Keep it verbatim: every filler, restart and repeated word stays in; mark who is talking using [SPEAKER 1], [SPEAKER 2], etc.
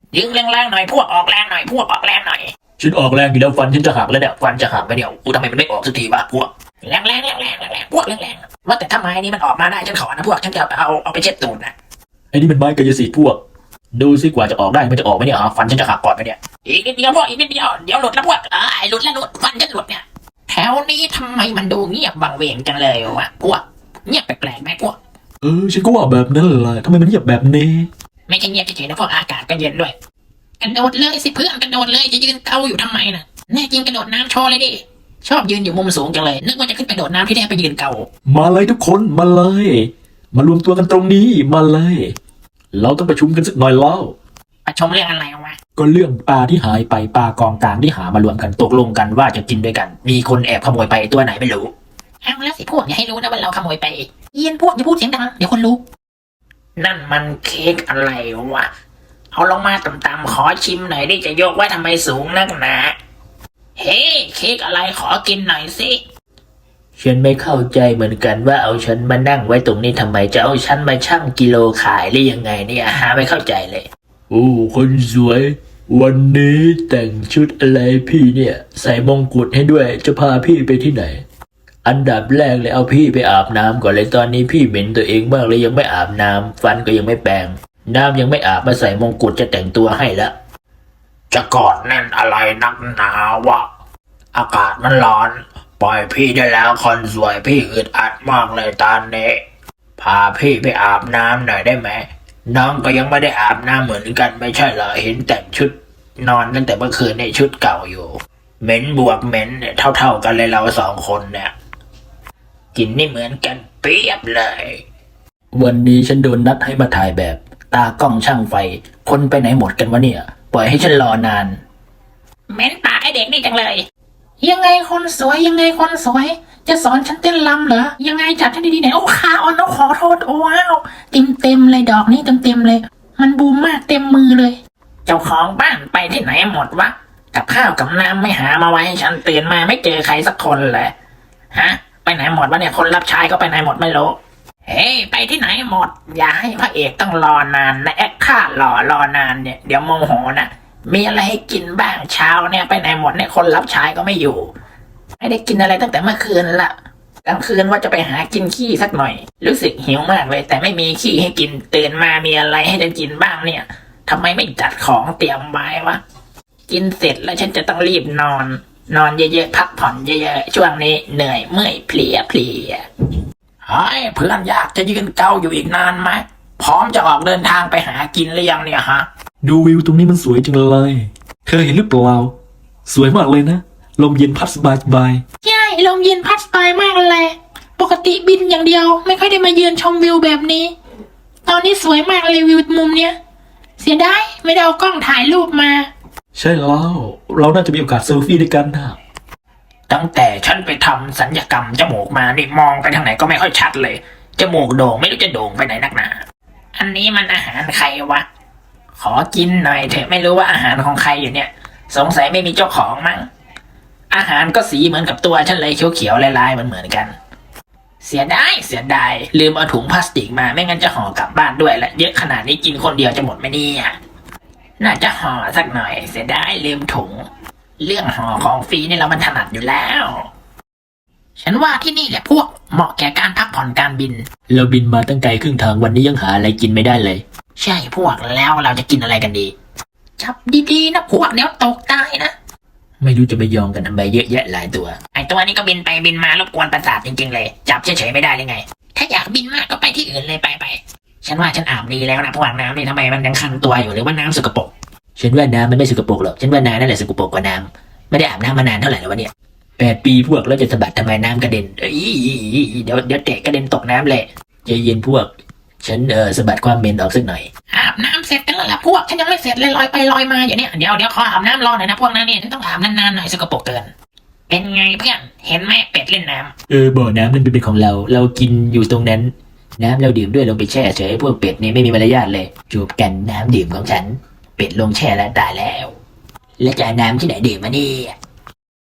[SPEAKER 1] ยิงแรงๆหน่อยพวกออกแรงหน่อยพวกออกแรงหน่อย
[SPEAKER 2] ฉันออกแรงอยู่แล้วฟันฉันจะหักแล้วเนี่ยฟันจะหักไปเดี๋ยวกูทำไมมันไม่ออกสักทีวะพวก
[SPEAKER 1] แรงๆแรงๆแรงๆพวกแรงๆว่าแต่ถ้าไม้นี้มันออกมาได้ฉันขอนะพวกฉันจะเอาเอาไปเช็ดตูดนะ
[SPEAKER 2] ไอ้นี่มันไม้กายสิทธิ์พวกดูสิกว่าจะออกได้มันจะออกไหมเนี่ยฟันฉันจะหักก่อนไปเนี่ย
[SPEAKER 1] อีกนิดเดียวพวกอีกนิดเดียวเดี๋ยวหลุดแล้วพวกเอ้ยหลุดแล้วหลุดฟันฉันหลุดเนี่ยแถวนี้ทำไมมันดูเงียบบังเวงจังเลยวะพวกเงียบแปลกๆไหมพวก
[SPEAKER 2] เออฉันก็ว่าแบบนั้นแหละทำไมมันเงียบแบบนี้
[SPEAKER 1] ไม่ใช่เงียบเฉยๆนะพวกอากาศก็เย็นด้วยกระโดดเลยสิเพื่อนกระโดดเลยจะยืนเกาอยู่ทำไมน่ะแน่จริงกระโดดน้ำโชว์เลยดิชอบยืนอยู่มุมสูงจังเลยนึกว่าจะขึ้นไปโดดน้ำที่แท้ไปยืนเกา
[SPEAKER 2] มาเลยทุกคนมาเลยมารวมตัวกันตรงนี้มาเลยเราต้องประชุมกันสักหน่อยแล้ว
[SPEAKER 1] ประชุมเรื่องอะไรวะ
[SPEAKER 2] ก็เรื่องปลาที่หายไปปลากองกลางที่หามารวมกันตกลงกันว่าจะกินด้วยกันมีคนแอบขโมยไปตัวไหนไม่รู้
[SPEAKER 1] เอาแล้วสิพวกอย่าให้รู้นะว่าเราขโมยไปเย็นพวกอย่าพูดเสียงดังเดี๋ยวคนรู้นั่นมันเค้กอะไรวะเอาลงมาต่ำๆขอชิมหน่อยดิจะยกไว้ทำไมสูงนักหนาเฮ้เค้กอะไรขอกินหน่อยสิ
[SPEAKER 2] ฉันไม่เข้าใจเหมือนกันว่าเอาฉันมานั่งไว้ตรงนี้ทำไมจะเอาฉันมาชั่งกิโลขายหรือยังไงเนี่ยหาไม่เข้าใจเลยโอ้คนสวยวันนี้แต่งชุดอะไรพี่เนี่ยใส่มงกุฎให้ด้วยจะพาพี่ไปที่ไหนอันดับแรกเลยเอาพี่ไปอาบน้ำก่อนเลยตอนนี้พี่เหม็นตัวเองมากเลยยังไม่อาบน้ำฟันก็ยังไม่แปรงน้ำยังไม่อาบมาใส่มงกุฎจะแต่งตัวให้ละ
[SPEAKER 1] จะกอดแน่นอะไรนักหนาวะอากาศมันร้อนปล่อยพี่ได้แล้วคนสวยพี่อึดอัดมากเลยตอนนี้พาพี่ไปอาบน้ำหน่อยได้ไหมน้องก็ยังไม่ได้อาบน้ำเหมือนกันไม่ใช่เหรอเห็นแต่งชุดนอนตั้งแต่เมื่อคืนในชุดเก่าอยู่เหม็นบวกเหม็นเนี่ยเท่าๆกันเลยเราสองคนเนี่ยกินนี่เหมือนกันเปียบเลย
[SPEAKER 2] วันนี้ฉันโดนนัดให้มาถ่ายแบบตากล้องช่างไฟคนไปไหนหมดกันวะเนี่ยปล่อยให้ฉันรอนาน
[SPEAKER 1] เหม็นปากไอเด็กนี่จังเลยยังไงคนสวยยังไงคนสวยจะสอนฉันเต้นรำเหรอยังไงจับฉันดีๆไหนโอ้ขาอ่อนน้องขอโทษโอ้ว้าวเต็มเต็มเลยดอกนี้เต็มเต็มเลยมันบูมมากเต็มมือเลยเจ้าของบ้านไปที่ไหนหมดวะกับข้าวกับน้ำไม่หามาไว้ให้ฉันตื่นมาไม่เจอใครสักคนเลยฮะไปไหนหมดวะเนี่ยคนรับใช้ก็ไปไหนหมดไม่รู้เฮ้ไปที่ไหนหมดอย่าให้พระเอกต้องรอนานนะแอคค่ารอรอนานเนี่ยเดี๋ยวโมโหนะมีอะไรให้กินบ้างเช้าเนี่ยไปไหนหมดเนี่ยคนรับใช้ก็ไม่อยู่ไม่ได้กินอะไรตั้งแต่เมื่อคืนละกลางคืนว่าจะไปหากินขี้สักหน่อยรู้สึกหิวมากเลยแต่ไม่มีขี้ให้กินตื่นมามีอะไรให้จะกินบ้างเนี่ยทำไมไม่จัดของเตรียมไว้วะกินเสร็จแล้วฉันจะต้องรีบนอนนอนเยอะๆพักผ่อนเยอะๆช่วงนี้เหนื่อยเมื่อยเพลียเพลียเฮ้ยเพื่อนอยากจะยืนเกาอยู่อีกนานไหมพร้อมจะออกเดินทางไปหากินหรือยังเนี่ยฮะ
[SPEAKER 2] ดูวิวตรงนี้มันสวยจังเลยเธอเห็นหรือเปล่าสวยมากเลยนะลมเย็นพัดสบายสบาย
[SPEAKER 1] ใช่ลมเย็นพัดสบายมากเลยปกติบินอย่างเดียวไม่ค่อยได้มายืนชมวิวแบบนี้ตอนนี้สวยมากเลยวิวมุมเนี้ยเสียดายไม่ได้เอากล้องถ่ายรูปมา
[SPEAKER 2] ใช่แล้วเราน่าจะมีโอกาสเซลฟี่ด้วยกันนะ
[SPEAKER 1] ตั้งแต่ฉันไปทำศัลยกรรมจมูกมานี่มองไปทางไหนก็ไม่ค่อยชัดเลยจมูกโด่งไม่รู้จะโด่งไปไหนนักหนาอันนี้มันอาหารใครวะขอกินหน่อยเถอะไม่รู้ว่าอาหารของใครอยู่เนี่ยสงสัยไม่มีเจ้าของมั้งอาหารก็สีเหมือนกับตัวฉันเลยเขียวๆลายๆเหมือนๆกันเสียดายเสียดายลืมเอาถุงพลาสติกมาไม่งั้นจะห่อกลับบ้านด้วยแหละเยอะขนาดนี้กินคนเดียวจะหมดไหมเนี่ยน่าจะห่อสักหน่อยเสียดายลืมถุงเรื่องห่อของฟรีนี่เรามันถนัดอยู่แล้วฉันว่าที่นี่แหละพวกเหมาะแก่การพักผ่อนการบิน
[SPEAKER 2] เราบินมาตั้งไกลครึ่งทางวันนี้ยังหาอะไรกินไม่ได้เลย
[SPEAKER 1] ใช่พวกแล้วเราจะกินอะไรกันดีจับดีๆนะพวกเดี๋ยวตกตายนะ
[SPEAKER 2] ไม่รู้จะไปยอมกันทำไมเยอะแยะหลายตัว
[SPEAKER 1] ไอตัวนี้ก็บินไปบินมารบกวนประสาทจริงๆเลยจับเฉยๆไม่ได้เลยไงถ้าอยากบินมากก็ไปที่อื่นเลยไปไปฉันว่าฉันอาบดีแล้วนะพวกน้ำนี่ทำไมมันยังคันตัวอยู่หรือว่าน้ำสกปรก
[SPEAKER 2] ฉันว่าน้ำมันไม่สกปรกหรอกฉันว่าน้ำนั่นแหละสกปรกกว่าน้ำไม่ได้อาบน้ำมานานเท่าไหร่แล้ววะเนี่ยแปดปีพวกแล้วจะสะบัดทำไมน้ำกระเด็นเอ้ยเดี๋ยวเดี๋ยวเตะกระเด็นตกน้ำเลยใจเย็นพวกฉันเออสะบัดความเหม็นออกสักหน่อย
[SPEAKER 1] อาบน้ำเสร็จกันแล้วล่ะพวกฉันยังไม่เสร็จเลยลอยไปลอยมาอยู่เนี่ยเดี๋ยวเดี๋ยวขออาบน้ำรอหน่อยนะพวกนั้นเนี่ยฉันต้องอาบนานๆหน่อยสกปรกเกินเป็นไงเพื่อนเห็นไหมเป็ดเล่นน้
[SPEAKER 2] ำเออบ่อน้ำนั่นเป็นของเราเรากินอยู่ตรงนั้นน้ำเราดื่มด้วยลงไปแช่เฉยพวกเป็ดนี่ไม่มีมารยาทเลยจูบกันน้ำดื่มของฉันเป็ดลงแช่แล้วตายแล้วแล้วจะน้ำที่ไหนดื่มมาเนี่ย